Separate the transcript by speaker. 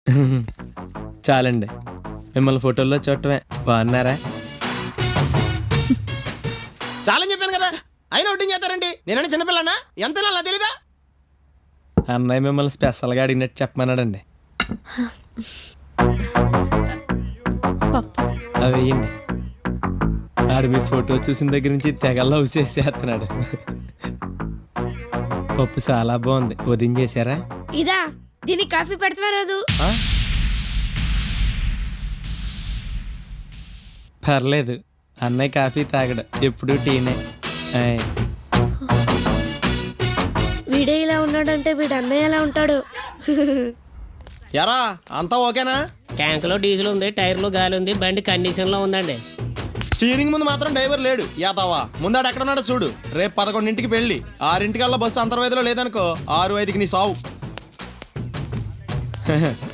Speaker 1: చాలండి, మిమ్మల్ని ఫోటోల్లో చూడటమే. బాగున్నారా?
Speaker 2: చాలని చెప్పాను కదా, అయినా వడ్డింగ్ చేస్తారండి. నేనంటే చిన్నపిల్లనా? ఎంత అలా తెలీదా?
Speaker 1: అన్నయ్య మిమ్మల్ని స్పెషల్గా అడిగినట్టు చెప్పమన్నాడండి. అవి వేయండి. ఆడు మీ ఫోటో చూసిన దగ్గర నుంచి తెగ లవ్ చేసేస్తున్నాడు. పప్పు చాలా బాగుంది, ఉదయం చేశారా?
Speaker 3: ఇదా, దీనికి కాఫీ పెడతా రాదు?
Speaker 1: పర్లేదు, అన్నయ్య కాఫీ తాగడు, ఎప్పుడు టీనే.
Speaker 3: వీడే ఇలా ఉన్నాడంటే వీడు అన్నయ్య ఎలా ఉంటాడు?
Speaker 2: ఎరా అంతా ఓకేనా?
Speaker 4: ట్యాంకులో డీజిల్ ఉంది, టైర్లో గాలి ఉంది, బండి కండిషన్లో ఉందండి.
Speaker 2: స్టీరింగ్ ముందు మాత్రం డ్రైవర్ లేడు. యాదవా ముందాడు ఎక్కడ ఉన్నాడో చూడు. రేపు 11ంటికి పెళ్ళి, 6ంటికల్లా బస్సు అంతర్వేదిలో లేదనుకో 6:05కి నీ సావు.